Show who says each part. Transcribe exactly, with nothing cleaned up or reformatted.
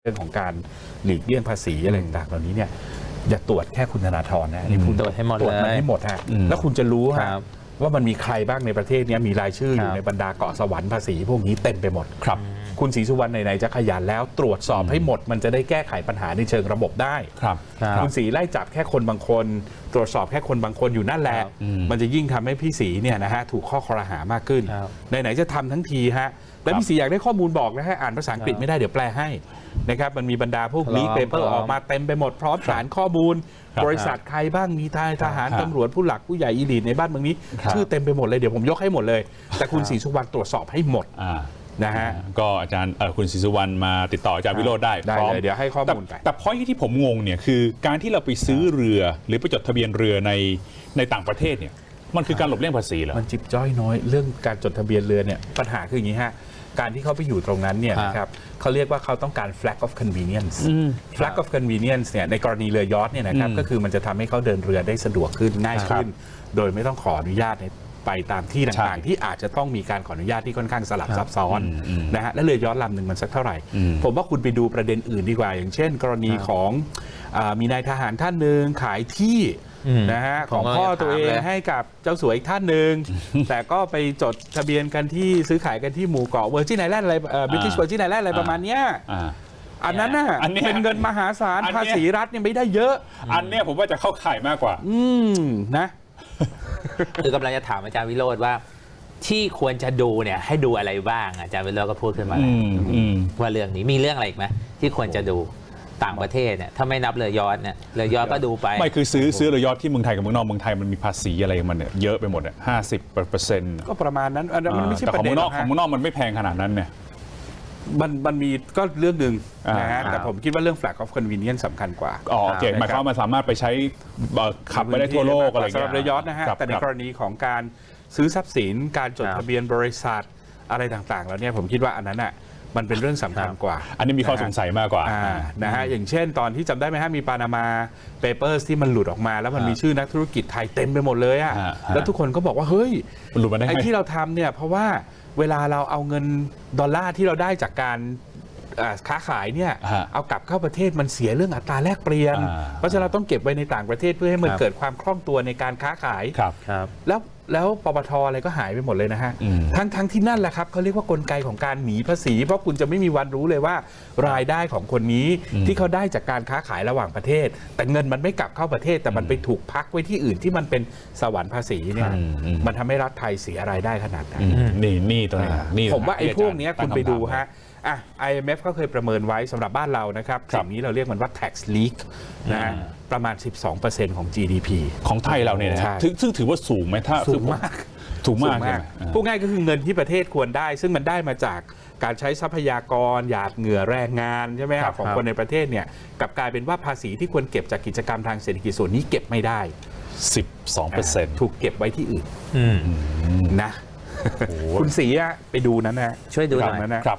Speaker 1: เรื่องของการหลีกเลี่ยงภาษีอะไรต่างๆเหล่านี้เนี่ยอย่าตรวจแค่คุณธนาธรนะนี่คุณ
Speaker 2: ตรวจให้หมด
Speaker 1: ตรวจมัน
Speaker 2: เลย
Speaker 1: ให้หมดฮะแล้วคุณจะรู้
Speaker 2: ค
Speaker 1: ฮะ
Speaker 2: รับ
Speaker 1: ว่ามันมีใครบ้างในประเทศนี้มีรายชื่ออยู่
Speaker 2: ครับ
Speaker 1: ในบรรดาเกาะสวรรค์ภาษีพวกนี้เต็มไปหมด
Speaker 3: ครับ
Speaker 1: คุณศรีสุวรรณไหนๆจะขยันแล้วตรวจสอบให้หมด มันจะได้แก้ไขปัญหาในเชิงระบบได้
Speaker 3: ครับ
Speaker 2: ครับ
Speaker 1: คุณศรีไล่จับแค่คนบางคน ตรวจสอบแค่คนบางคนอยู่นั่นแหละ
Speaker 2: ครับ
Speaker 1: มันจะยิ่งทำให้พี่ศรีเนี่ยนะฮะถูกข้อคอรหามากขึ้น
Speaker 2: ครับ
Speaker 1: ไหนๆจะทำทั้งทีฮะแล้วพี่ศรีอยากได้ข้อมูลบอกนะฮะอ่านภาษาอังกฤษ
Speaker 2: ครับ
Speaker 1: ไม่ได้เดี๋ยวแปลให้นะครับมันมีบรรดาพวก
Speaker 2: พร้อม
Speaker 1: ลีกเปเปอ
Speaker 2: พร้
Speaker 1: ร์
Speaker 2: อม
Speaker 1: ออกมาเต็มไปหมดพร้อมฐานข้อมูล
Speaker 3: ครับ
Speaker 1: บริษัทใครบ้างมีทายทหาร
Speaker 3: ครับ
Speaker 1: ตำรวจผู้หลักผู้ใหญ่อีลีทในบ้านเมืองนี้
Speaker 3: ครับ
Speaker 1: ชื่อเต็มไปหมดเลยเดี๋ยวผมยกให้หมดเลย แต่คุณศรีสุวรรณตรวจสอบให้หมด
Speaker 3: อ่า
Speaker 1: นะฮะ
Speaker 3: ก็อาจารย์เอ่อคุณศรีสุวรรณมาติดต่ออาจารย์วิโรจน์ได้
Speaker 1: ได้
Speaker 3: พร้อม
Speaker 1: เลยเดี๋ยวให้ข้อมูลไป
Speaker 3: แต่แต่พอยที่ผมงงเนี่ยคือการที่เราไปซื้อเรือ หรือไปจดทะเบียนเรือในในต่างประเทศเนี่ยมันคือการหลบเลี่ยงภาษีเหรอ
Speaker 1: มันจิบจ้อยน้อยเรื่องการจดทะเบียนเรือเนี่ยปัญหาคืออย่างนี้ฮะการที่เขาไปอยู่ตรงนั้นเนี่ย
Speaker 2: ครับ
Speaker 1: นะครับเขาเรียกว่าเขาต้องการ flag of convenience flag of convenience เนี่ยในกรณีเรือยอชต์เนี่ยนะครับ
Speaker 3: อืม
Speaker 1: ก็คือมันจะทำให้เขาเดินเรือได้สะดวกขึ้นง่ายขึ้น โดยไม่ต้องขออนุญาตในไปตามที่ต่างๆ ที่อาจจะต้องมีการขออนุญาตที่ค่อนข้างสลับซับซ้อน
Speaker 3: อืมอืม
Speaker 1: นะฮะและเรือยอชต์ลำหนึ่งมันสักเท่าไหร่
Speaker 3: อืม
Speaker 1: ผมว่าคุณไปดูประเด็นอื่นดีกว่า อย่างเช่น กรณีของอามีนายทหารท่านหนึ่งขายที่
Speaker 2: อืม
Speaker 1: นะฮะข
Speaker 2: ผม
Speaker 1: อง
Speaker 2: ก็
Speaker 1: พ่อ
Speaker 2: จะ
Speaker 1: ตัวเอ
Speaker 2: ถาม
Speaker 1: ง
Speaker 2: เลย
Speaker 1: ให้กับเจ้าสัวอีกท่านหนึ่ง แต่ก็ไปจดทะเบียนกันที่ซื้อขายกันที่หมู่เกาะเวอร์จินไอแลนด์อะไรบริติช
Speaker 3: อ่า
Speaker 1: เวอร์จินไอแลนด์อะไรประมาณเนี้ย
Speaker 3: อ่า
Speaker 1: อันนั้นน่ะ
Speaker 3: อันเนี้ย
Speaker 1: เป็นเงินมหาศาล
Speaker 3: อันเนี้ย
Speaker 1: ภาษีรัฐเนี่ยไม่ได้เยอะ
Speaker 3: อันเนี้ยผมว่าจะเข้าข่ายมากกว่า
Speaker 1: อืมนะ
Speaker 2: คือกำลังจะถามอาจารย์วิโรจน์ว่า ที่ควรจะดูเนี่ยให้ดูอะไรบ้างอาจารย์วิโรจน์ก็พูดขึ้นมา
Speaker 3: อื
Speaker 2: แล้ว
Speaker 3: มอืม
Speaker 2: ว่าเรื่องนี้มีเรื่องอะไรอีกไหมที่ควรจะดูต่างประเทศเนี่ยถ้าไม่นับเรือยอชต์เนี่ยเรือยอชต์ก็ดูไป
Speaker 3: ไม่คือซื้อซื้อเรือยอชต์ที่เมืองไทยกับเมืองนอกเมืองไทยมันมีภาษีอะไรมันเนี่ยเยอะไปหมดอ่ะห้าสิบเปอร์เซ็นต์
Speaker 1: ก็ประมาณนั้นอันนั้นมันไม่ใช่
Speaker 3: แต่
Speaker 1: ป
Speaker 3: ของ
Speaker 1: ระเด็
Speaker 3: เมื
Speaker 1: น
Speaker 3: องนอก
Speaker 1: หร
Speaker 3: ของ
Speaker 1: ฮะ
Speaker 3: เมืองนอกมันไม่แพงขนาดนั้นเนี่ย
Speaker 1: มันมันมีก็เรื่องหนึ่ง
Speaker 3: อ่าน
Speaker 1: นะฮะ
Speaker 2: ครับ
Speaker 1: แต่ผมคิดว่าเรื่อง flag of convenience สำคัญกว่า
Speaker 3: อ๋อโอเค
Speaker 1: ครับ
Speaker 3: หมายความว่ามันสามารถไปใช้เอ่อขับไปได้ทั่วโลกอะไรอย่าง
Speaker 1: สำห
Speaker 3: เงี้
Speaker 1: รั
Speaker 3: ย
Speaker 1: บเรือยอชต์นะฮะ
Speaker 3: ครับ
Speaker 1: แต่ใน
Speaker 3: ครับ
Speaker 1: กรณีของการซื้อทรัพย์สินการจด
Speaker 2: ครับ
Speaker 1: ทะเบียนบริษัทอะไรต่างๆ แล้วเนี่ยผมคิดว่าอันนั้นอ่ะมันเป็นเรื่องสำคัญกว่า
Speaker 3: อันนี้มีข้อสงสัยมากกว่า
Speaker 1: อ่านะฮะอย่างเช่นตอนที่จำได้ไหมฮะมีปานามาเปเปอร์สที่มันหลุดออกมา แล้วมันมีชื่อนักธุรกิจไทยเต็มไปหมดเลยอะ
Speaker 3: ฮะฮะ
Speaker 1: แล้วทุกคนก็บอกว่าเฮ้ย
Speaker 3: มันหลุดมาได้
Speaker 1: ไอ้
Speaker 3: ไง
Speaker 1: ที่เราทำเนี่ยเพราะว่าเวลาเราเอาเงินดอลลาร์ที่เราได้จากการอ่าค้าขายเนี่ย
Speaker 3: ฮะ
Speaker 1: เอากลับเข้าประเทศมันเสียเรื่องอัตราแลกเปลี่ยน
Speaker 3: อ่า
Speaker 1: เพราะฉะนั้นเราต้องเก็บไว้ในต่างประเทศเพื่อให้มัน
Speaker 2: ครับ
Speaker 1: เกิดความคล่องตัวในการค้าขาย
Speaker 3: ครับ
Speaker 2: ครับ
Speaker 1: แล้วแล้วปปทอะไรก็หายไปหมดเลยนะฮะ
Speaker 3: อืม
Speaker 1: ทั้งทั้งที่นั่นแหละครับเขาเรียกว่ากลไกของการหนีภาษี เพราะคุณจะไม่มีวันรู้เลยว่ารายได้ของคนนี้ที่เขาได้จากการค้าขายระหว่างประเทศ แต่เงินมันไม่กลับเข้าประเทศ แต่มันไปถูกพักไว้ที่อื่นที่มันเป็นสวรรค์ภาษีเนี่ย
Speaker 3: อืมอืม
Speaker 1: มันทำให้รัฐไทยเสียรายได้ขนาดนั้น
Speaker 3: อืมนี่นี่ตัวนี้นี่
Speaker 1: ผมว่าไอ้พวกเนี้ย
Speaker 3: ตั้
Speaker 1: คุ
Speaker 3: ง
Speaker 1: ณไปดู
Speaker 3: ำถาม
Speaker 1: ฮะอ่ะ ไอ เอ็ม เอฟ ก็เคยประเมินไว้สำหรับบ้านเรานะครับ
Speaker 3: ครับ
Speaker 1: สิ่งนี้เราเรียกมันว่า tax leak นะฮะประมาณ สิบสองเปอร์เซ็นต์ ของ จี ดี พี
Speaker 3: ของไทยเราเนี่ยนะ
Speaker 1: ใช่
Speaker 3: ฮะซึ่งซึ่งถือว่าสูงไหมถ้า
Speaker 1: สูงมาก
Speaker 3: สูงมาก
Speaker 1: สูง
Speaker 3: ใช่
Speaker 1: มาก
Speaker 3: ไหมอ่า
Speaker 1: พูดง่ายก็คือเงินที่ประเทศควรได้ ซึ่งมันได้มาจากการใช้ทรัพยากรหยาดเหงื่อแรงงานใช่ไหมครับของคนในประเทศเนี่ยกลับกลายเป็นว่าภาษีที่ควรเก็บจากกิจกรรมทางเศรษฐกิจส่วนนี้เก็บไม่ได้
Speaker 3: สิบสองเปอร์เซ็นต์
Speaker 1: ถูกเก็บไว้ที่อื่น
Speaker 2: อืม
Speaker 1: นะ คุณศรีอะไปดูนั้นนะ
Speaker 2: ช่วยดูหน่อย
Speaker 1: นั้นนะครับ